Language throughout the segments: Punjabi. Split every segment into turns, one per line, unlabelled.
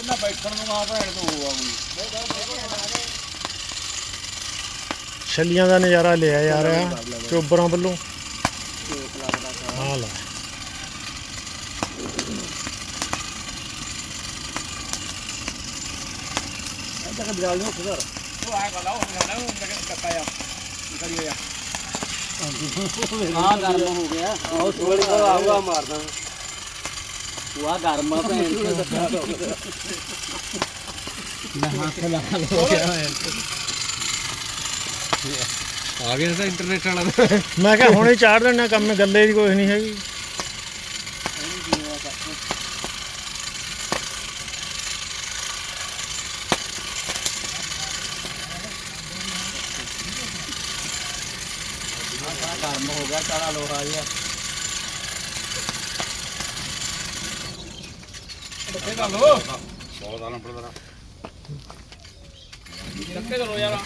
ਇਹਨਾਂ ਬੈਠਣ ਨੂੰ ਆ ਭੈਣ ਤੋਂ ਹੋਆ ਕੋਈ
ਛੱਲੀਆਂ ਦਾ ਨਜ਼ਾਰਾ ਲਿਆ ਯਾਰ ਚੋਬਰਾਂ ਵੱਲੋਂ ਆ ਲੈ
ਇੱਧਰ ਬਿਜਾਲ ਨੂੰ ਖੁਦਰ ਉਹ ਆ ਗਲਾ ਉਹ ਨਾ ਉਹ ਕੱਟਾ ਆ ਕਰੀ ਆ
ਆ ਗਰਮ ਹੋ ਗਿਆ ਉਹ ਥੋੜੀ ਕੋਲ ਆਊਗਾ ਮਾਰਦਾ ਉਹ ਆ ਗਰਮ ਆ ਭੈਣ ਨਾ ਹੱਥ ਲਾ ਲੋ ਆ ਗਿਆ ਤਾਂ ਇੰਟਰਨੈਟ ਵਾਲਾ
ਮੈਂ ਕਿਹਾ ਹੁਣੇ ਚਾੜ ਦੇਣਾ ਕੰਮ ਗੱਲੇ ਦੀ ਕੋਈ ਨਹੀਂ ਹੈਗੀ
ਗਰਮ ਹੋ ਗਿਆ ਸਾਰਾ ਲੋਹਾ ਜਿਹਾ
ਇਹ ਗੱਲ ਬਹੁਤ ਆ ਨੰਬਰ ਦਾ ਰੱਖੇ ਚਲੋ ਯਾਰ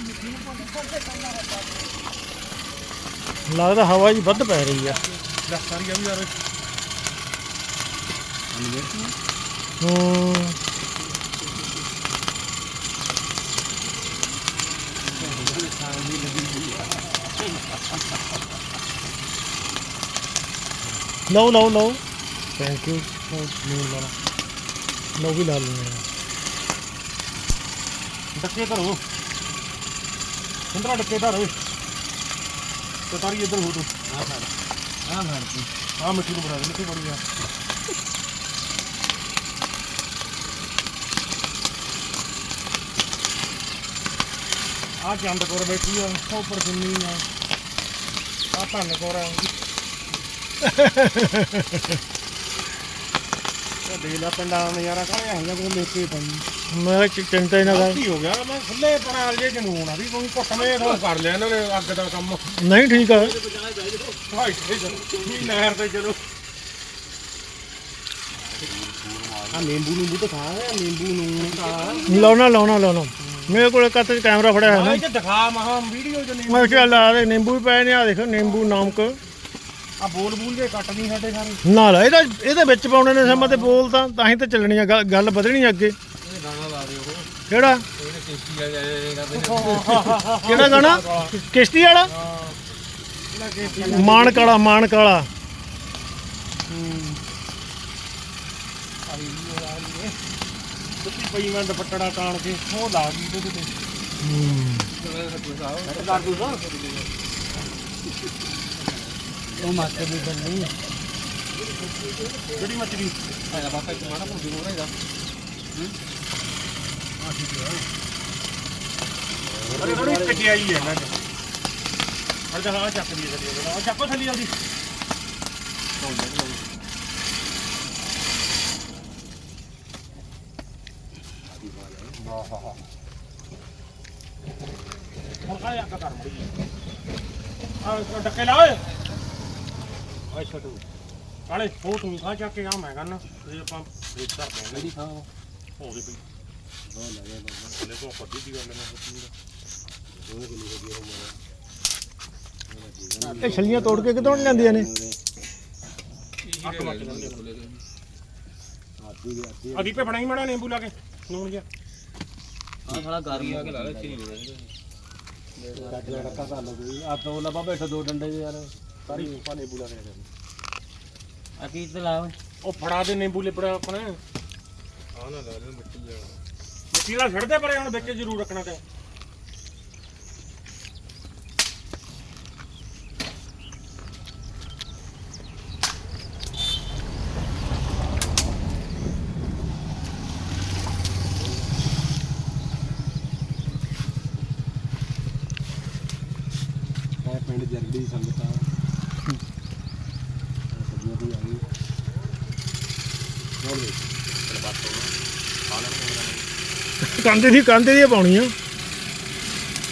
ਲੱਗਦਾ ਹਵਾ ਜੀ ਵੱਧ ਪੈ ਰਹੀ ਆ
ਸਾਰੀ ਆ ਵੀ ਯਾਰ
ਲਓ ਥੈਂਕ ਯੂ ਲਓ ਵੀ ਲਾ ਲੈਂਦੇ ਆ
ਡੱਕੇ ਧਰੋ ਸਿੰਦਰਾ ਡੱਕੇ ਧਰ ਓਏ ਤੇ ਤਾਰੀ ਇੱਧਰ ਹੋ ਤੂੰ ਆ ਮਿੱਟੀ ਨੂੰ ਬਣਾ ਦੇ ਮਿੱਟੀ ਬੜੀ ਆ ਆ ਚੰਦ ਕੋਰ ਬੈਠੀ ਆ ਉੱਪਰ ਕਿੰਨੀ ਆ ਧੰਨ ਕੋਰ ਆ ਦੇ ਲਾ ਪਿੰਡਾਂ ਦਾ ਨਜ਼ਾਰਾ ਕਾਹਲੇ ਆਈਆਂ ਕੋਈ ਲੈ ਕੇ ਪਈ
ਮੈਂ ਚਿੰਤਾ ਹੀ ਨਾ ਕਰ
ਕੀ ਹੋ ਗਿਆ ਮੈਂ ਖੁੱਲੇ ਪਰਾਲ ਜੇ ਜਨੂਨ ਆ ਵੀ ਕੋਈ ਘੁੱਟਵੇਂ ਤੋਂ ਕਰ ਲਿਆ ਇਹਨਾਂ ਨੇ ਅੱਗ ਦਾ ਕੰਮ
ਨਹੀਂ ਠੀਕ ਆ
ਭਾਈ ਵੀ ਨਹਿਰ ਤੇ ਚਲੋ ਆ ਨਿੰਬੂ ਤਾਂ ਖਾ ਨਿੰਬੂ ਨੂੰ ਤਾਂ
ਲਾਉਣਾ ਮੇਰੇ ਕੋਲ ਕੱਤ ਚ ਕੈਮਰਾ ਫੜਿਆ ਹੈ ਨਾ
ਇਹ ਦਿਖਾ ਮਹਾ ਵੀਡੀਓ ਚ ਨਿੰਬੂ
ਮੈਂ ਕਿਹਾ ਲਾ ਦੇ ਨਿੰਬੂ ਵੀ ਪਏ ਨੇ ਆ ਦੇਖ ਨਿੰਬੂ ਨਮਕ
ਆ ਬੋਲ ਜੇ ਕੱਟ ਨਹੀਂ ਸਾਡੇ ਸਾਰੇ
ਨਾ ਲਾ ਇਹਦੇ ਵਿੱਚ ਪਾਉਣੇ ਨੇ ਸਮਾਂ ਤੇ ਬੋਲ ਤਾਂ ਹੀ ਤਾਂ ਚੱਲਣੀ ਆ ਗੱਲ ਵਧਣੀ ਅੱਗੇ
ਇਹ ਗਾਣਾ ਲਾ ਦਿਓ
ਕਿਹੜਾ
ਇਹਨੇ ਟੇਸਟੀ ਆ ਕਰਦੇ
ਕਿਹੜਾ ਗਾਣਾ ਕਿਸ਼ਤੀ ਵਾਲਾ ਮਾਨ ਕਾਲਾ
ਸੁੱਤੀ ਪਈ ਮੈਂ ਦੁਪੱਟੜਾ ਤਾਣ ਕੇ ਉਹ ਲਾ ਗਈ ਤੇ ਕਰ ਦੂ ਸਾ
ਉਹ ਮਾਸਟਰ ਦੀ ਗੱਲ ਨਹੀਂ
ਜਿਹੜੀ ਮੱਛੀ
ਆਇਆ ਬਾਪਾ ਇੱਕ ਮਾਣਾ ਪੁੱਡੀ ਹੋ ਰਿਹਾ
ਅਰੇ ਥੋੜੀ ਕਟਿਆਈ ਹੈ ਨਾ ਅਰੇ ਹਾਂ ਚੱਕ ਦੀ ਥੱਲੇ ਆ ਚੱਕੋ ਥੱਲੇ ਆਉਂਦੀ ਹੁਣ ਕਾਇਆ ਕਰ ਮੜੀ ਆ ਡੱਕੇ ਲਾ ਓਏ ਓਏ ਛੋਟੂ ਕਾਲੇ ਹੋ ਤੂੰ ਖਾ ਚੱਕ ਕੇ ਆ ਮੈਂ ਕਹਿੰਦਾ ਇਹ ਆਪਾਂ ਰੇਟ ਕਰ ਦੇਵਾਂਗੇ
ਜਿਹੜੀ ਖਾ
ਹੋ ਗਈ ਬਈ ਹੋ ਲੈ ਲੈ ਕੋ ਪੱਟੀ ਦੀ ਗੱਲ ਮੈਂ ਸੋਚੀ ਉਹ ਕਿੰਨੀ ਵਧੀਆ ਹੋ ਮਾਰਾ
ਇਹ ਛੱਲੀਆਂ ਤੋੜ ਕੇ ਕਿਦੋਂ ਲੈਂਦੀਆਂ ਨੇ
ਅਦੀਪੇ ਬਣਾਈ ਮੜਾ ਨਿੰਬੂ ਲਾ ਕੇ ਨੂਣ ਜਿਹਾ
ਆ ਸਾਲਾ ਗਰਮ ਹੋ ਕੇ ਲਾ ਲੈ ਚੀਨੀ
ਕੱਟ ਲੈ ਡੱਕਾ ਕਰ ਲਓ ਕੋਈ ਆ ਦੋ ਲੱਭਾ ਬੈਠਾ ਦੋ ਡੰਡੇ ਯਾਰ ਸਾਰੀ ਪਾਣੀ ਬੁਲਾ ਰਿਹਾ
ਆ ਕੀ ਤੇ ਲਾ
ਉਹ ਫੜਾ ਦੇ ਨਿੰਬੂ ਲਿਪੜਾ ਆਪਣੇ ਆ ਨਾ ਲਾ ਦੇ ਮਿੱਟੀ ਨਾਲ ਛੱਡਦੇ ਪਰੇ ਹੁਣ ਵਿੱਚ ਜ਼ਰੂਰ ਰੱਖਣਾ ਤੇ ਪਿੰਡ ਜਰਦੀ ਸੰਗਤਾਂ ਸਬਜ਼ੀਆਂ ਦੀ ਆ ਗਈ ਹੋਰ ਦੇ ਚਲ ਬਾਤ ਹੋ
ਕੰਦੇ ਦੀ ਪਾਉਣੀ ਆ